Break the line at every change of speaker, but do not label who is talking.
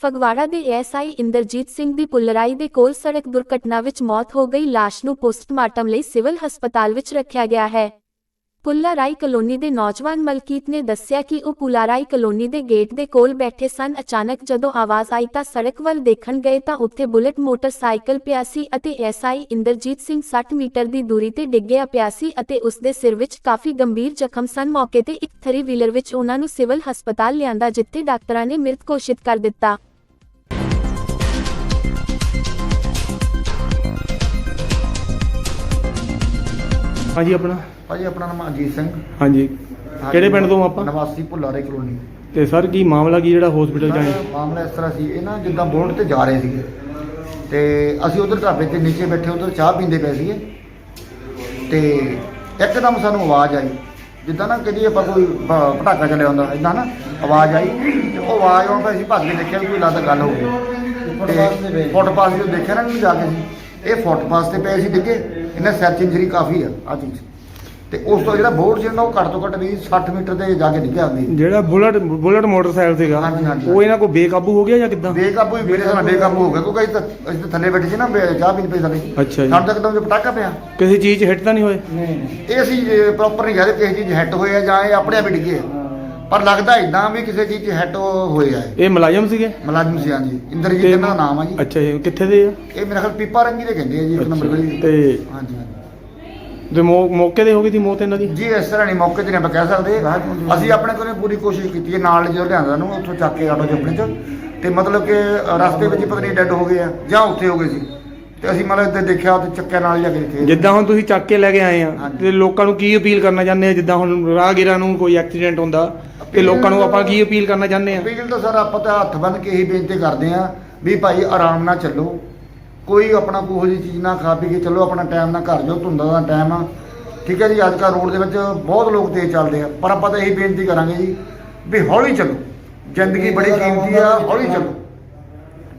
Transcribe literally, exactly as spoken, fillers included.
ਫਗਵਾੜਾ ਦੇ ਐਸਆਈ ਇੰਦਰਜੀਤ ਸਿੰਘ ਦੀ ਪੁੱਲਰਾਈ ਦੇ ਕੋਲ ਸੜਕ ਦੁਰਘਟਨਾ ਵਿੱਚ ਮੌਤ ਹੋ ਗਈ। ਲਾਸ਼ ਨੂੰ ਪੋਸਟਮਾਰਟਮ ਲਈ ਸਿਵਲ ਹਸਪਤਾਲ ਵਿੱਚ ਰੱਖਿਆ ਗਿਆ ਹੈ। ਪੁੱਲਰਾਈ ਕਲੋਨੀ ਦੇ ਨੌਜਵਾਨ ਮਲਕੀਤ ਨੇ ਦੱਸਿਆ ਕਿ ਉਹ ਪੁੱਲਰਾਈ ਕਲੋਨੀ ਦੇ ਗੇਟ ਦੇ ਕੋਲ ਬੈਠੇ ਸਨ। ਅਚਾਨਕ ਜਦੋਂ ਆਵਾਜ਼ ਆਈ ਤਾਂ ਸੜਕ ਵੱਲ ਦੇਖਣ ਗਏ ਤਾਂ ਉੱਥੇ ਬੁਲਟ ਮੋਟਰਸਾਈਕਲ ਪਿਆ ਸੀ ਅਤੇ ਐਸਆਈ ਇੰਦਰਜੀਤ ਸਿੰਘ ਸੱਠ ਮੀਟਰ ਦੀ ਦੂਰੀ ਤੇ ਡਿੱਗਿਆ ਪਿਆ ਸੀ ਅਤੇ ਉਸ ਦੇ ਸਿਰ ਵਿੱਚ ਕਾਫੀ ਗੰਭੀਰ ਜ਼ਖਮ ਸਨ। ਮੌਕੇ ਤੇ ਇੱਕ ਥਰੀ ਵੀਲਰ ਵਿੱਚ ਉਹਨਾਂ ਨੂੰ ਸਿਵਲ ਹਸਪਤਾਲ ਲਿਆਂਦਾ, ਜਿੱਥੇ ਡਾਕਟਰਾਂ ਨੇ ਮ੍ਰਿਤ ਘੋਸ਼ਿਤ ਕਰ ਦਿੱਤਾ।
हाँ जी अपना
भाजी अपना नाम अजीत सिंह।
हाँ जी ਕਿਹੜੇ ਪਿੰਡ ਤੋਂ ਆਪਾਂ?
ਨਿਵਾਸੀ ਭੁੱਲਾਰੇ ਕਲੋਨੀ।
ਤੇ ਸਰ ਕੀ ਮਾਮਲਾ ਕੀ ਜਿਹੜਾ ਹਸਪੀਟਲ ਚ ਆਏ?
ਮਾਮਲਾ ਇਸ ਤਰ੍ਹਾਂ ਸੀ, ਇਹ ਨਾ ਜਿੱਦਾਂ ਬੋਰਡ ਤੇ ਜਾ ਰਹੇ ਸੀਗੇ ਤੇ ਅਸੀਂ ਉਧਰ ਢਾਬੇ ਤੇ ਨੀਚੇ ਬੈਠੇ ਉਧਰ ਚਾਹ ਪੀਂਦੇ ਪਏ ਸੀਗੇ ਤੇ ਇੱਕਦਮ ਸਾਨੂੰ ਆਵਾਜ਼ ਆਈ, ਜਿੱਦਾਂ ਨਾ ਕਦੀ ਆਪਾਂ ਕੋਈ ਪਟਾਕਾ ਚੱਲਿਆ ਹੁੰਦਾ ਇੱਦਾਂ ਨਾ ਆਵਾਜ਼ ਆਈ ਤੇ ਉਹ ਆਵਾਜ਼ ਆਉਣ 'ਤੇ ਅਸੀਂ ਭੱਜ ਕੇ ਦੇਖਿਆ ਵੀ ਕੋਈ ਲੱਗਦਾ ਗੱਲ ਹੋ ਗਈ ਤੇ ਫੁੱਟਪਾਥ ਤੇ ਦੇਖਿਆ ਨਾ ਜਾ ਕੇ ਸੀ, ਇਹ ਫੁੱਟਪਾਥ ਤੇ ਪਏ ਸੀ ਡਿੱਗੇ, ਇਹਨਾਂ ਸਿਰ 'ਚ ਇੰਜਰੀ ਕਾਫੀ ਆ ਆ ਚੀਜ਼ ਤੇ ਉਸ ਤੋਂ ਜਿਹੜਾ ਬੋਰਡ ਸੀ ਉਹ ਘੱਟ ਤੋਂ ਘੱਟ ਵੀ ਸੱਠ ਮੀਟਰ ਤੇ ਜਾ ਕੇ ਡਿੱਗਿਆ ਹੁੰਦੀ।
ਜਿਹੜਾ ਬੁਲਟ ਬੁਲਟ ਮੋਟਰਸਾਈਕਲ ਸੀਗਾ
ਹਾਂਜੀ ਹਾਂਜੀ
ਉਹ ਇਹਨਾਂ ਕੋਲ ਬੇਕਾਬੂ ਹੋ ਗਿਆ ਜਾਂ ਕਿੱਦਾਂ?
ਬੇਕਾਬੂ ਹੀ ਮੇਰੇ ਨਾਲ ਬੇਕਾਬੂ ਹੋ ਗਿਆ ਕਿਉਂਕਿ ਅਸੀਂ ਤਾਂ ਅਸੀਂ ਤਾਂ ਥੱਲੇ ਬੈਠੇ ਸੀ ਨਾ, ਚਾਹ ਪੀਣ ਪਏ ਥੱਲੇ।
ਅੱਛਾ ਜੀ।
ਸਾਨੂੰ ਤਾਂ ਇੱਕਦਮ ਪਟਾਕਾ ਪਿਆ।
ਕਿਸੇ ਚੀਜ਼ 'ਚ ਹਿੱਟ ਤਾਂ ਨਹੀਂ ਹੋਏ?
ਨਹੀਂ ਇਹ ਅਸੀਂ ਪ੍ਰੋਪਰ ਨਹੀਂ ਕਹਿੰਦੇ ਕਿਸੇ ਚੀਜ਼ ਹਿੱਟ ਹੋਏ ਆ ਜਾਂ ਇਹ ਆਪਣੇ ਆਪ ਹੀ ਡਿੱਗੇ, ਪਰ ਲੱਗਦਾ ਇਦਾਂ ਵੀ ਕਿਸੇ ਚੀਜ਼ 'ਚ ਹਿੱਟ ਹੋਏ ਆ।
ਇਹ ਮੁਲਾਜ਼ਮ ਸੀਗੇ?
ਮੁਲਾਜ਼ਮ ਸੀ ਹਾਂਜੀ, ਇੰਦਰਜੀਤ ਇਹਨਾਂ ਦਾ ਨਾਮ ਆ ਜੀ।
ਅੱਛਾ ਜੀ, ਕਿੱਥੇ ਦੇ ਆ ਇਹ?
ਮੇਰਾ ਖਿਆਲ ਪੀਪਾ ਰੰਗੀ ਦੇ ਕਹਿੰਦੇ ਆ ਜੀ, ਇੱਕ ਨੰਬਰ ਗਲੀ
ਤੇ
ਹਾਂਜੀ ਹਾਂਜੀ।
ਤੇ ਮੌਕੇ ਤੇ ਹੋ ਗਈ ਸੀ ਮੌਤ ਇਹਨਾਂ ਦੀ
ਜੀ ਇਸ ਤਰ੍ਹਾਂ ਨਹੀਂ, ਮੌਕੇ ਤੇ ਨਹੀਂ ਆਪਾਂ ਕਹਿ ਸਕਦੇ। ਅਸੀਂ ਆਪਣੇ ਕੋਲੋਂ ਪੂਰੀ ਕੋਸ਼ਿਸ਼ ਕੀਤੀ ਹੈ, ਨਾਲ ਜਦੋਂ ਲਿਆਂਦਾ ਨੂੰ ਉੱਥੋਂ ਚੱਕ ਕੇ ਆਟੋ 'ਚ ਆਪਣੇ 'ਚ ਤੇ ਮਤਲਬ ਕਿ ਰਸਤੇ ਵਿੱਚ ਪਤਾ ਨਹੀਂ ਡੈੱਡ ਹੋ ਗਏ ਆ ਜਾਂ ਉੱਥੇ ਹੋ ਗਏ ਸੀ ਤੇ ਅਸੀਂ ਮਤਲਬ ਇੱਥੇ ਦੇਖਿਆ ਤੇ ਚੱਕਿਆ ਨਾਲ ਜਾ ਕੇ ਇੱਥੇ।
ਜਿੱਦਾਂ ਹੁਣ ਤੁਸੀਂ ਚੱਕ ਕੇ ਲੈ ਕੇ ਆਏ ਆ ਤੇ ਲੋਕਾਂ ਨੂੰ ਕੀ ਅਪੀਲ ਕਰਨਾ ਚਾਹੁੰਦੇ ਆ? ਜਿੱਦਾਂ ਹੁਣ ਰਾਹਗੀਰਾਂ ਨੂੰ ਕੋਈ ਐਕਸੀਡੈਂਟ ਹੁੰਦਾ ਤੇ ਲੋਕਾਂ ਨੂੰ ਆਪਾਂ ਕੀ ਅਪੀਲ ਕਰਨਾ ਚਾਹੁੰਦੇ ਆ?
ਅਪੀਲ ਤਾਂ ਸਰ ਆਪਾਂ ਤਾਂ ਹੱਥ ਬੰਨ੍ਹ ਕੇ ਇਹੀ ਬੇਨਤੀ ਕਰਦੇ ਆ ਵੀ ਭਾਈ ਆਰਾਮ ਨਾਲ ਚੱਲੋ, ਕੋਈ ਆਪਣਾ ਕੋਈ ਜਿਹੀ ਚੀਜ਼ ਨਾ ਖਾ ਪੀ ਕੇ ਚੱਲੋ, ਆਪਣਾ ਟਾਈਮ ਨਾਲ ਘਰ ਜਾਓ, ਧੁੰਦਾਂ ਦਾ ਟਾਈਮ ਆ, ਠੀਕ ਹੈ ਜੀ। ਅੱਜ ਕੱਲ੍ਹ ਰੋਡ ਦੇ ਵਿੱਚ ਬਹੁਤ ਲੋਕ ਤੇਜ਼ ਚੱਲਦੇ ਆ, ਪਰ ਆਪਾਂ ਤਾਂ ਇਹੀ ਬੇਨਤੀ ਕਰਾਂਗੇ ਜੀ ਵੀ ਹੌਲੀ ਚੱਲੋ, ਜ਼ਿੰਦਗੀ ਬੜੀ ਕੀਮਤੀ ਆ, ਹੌਲੀ ਚੱਲੋ।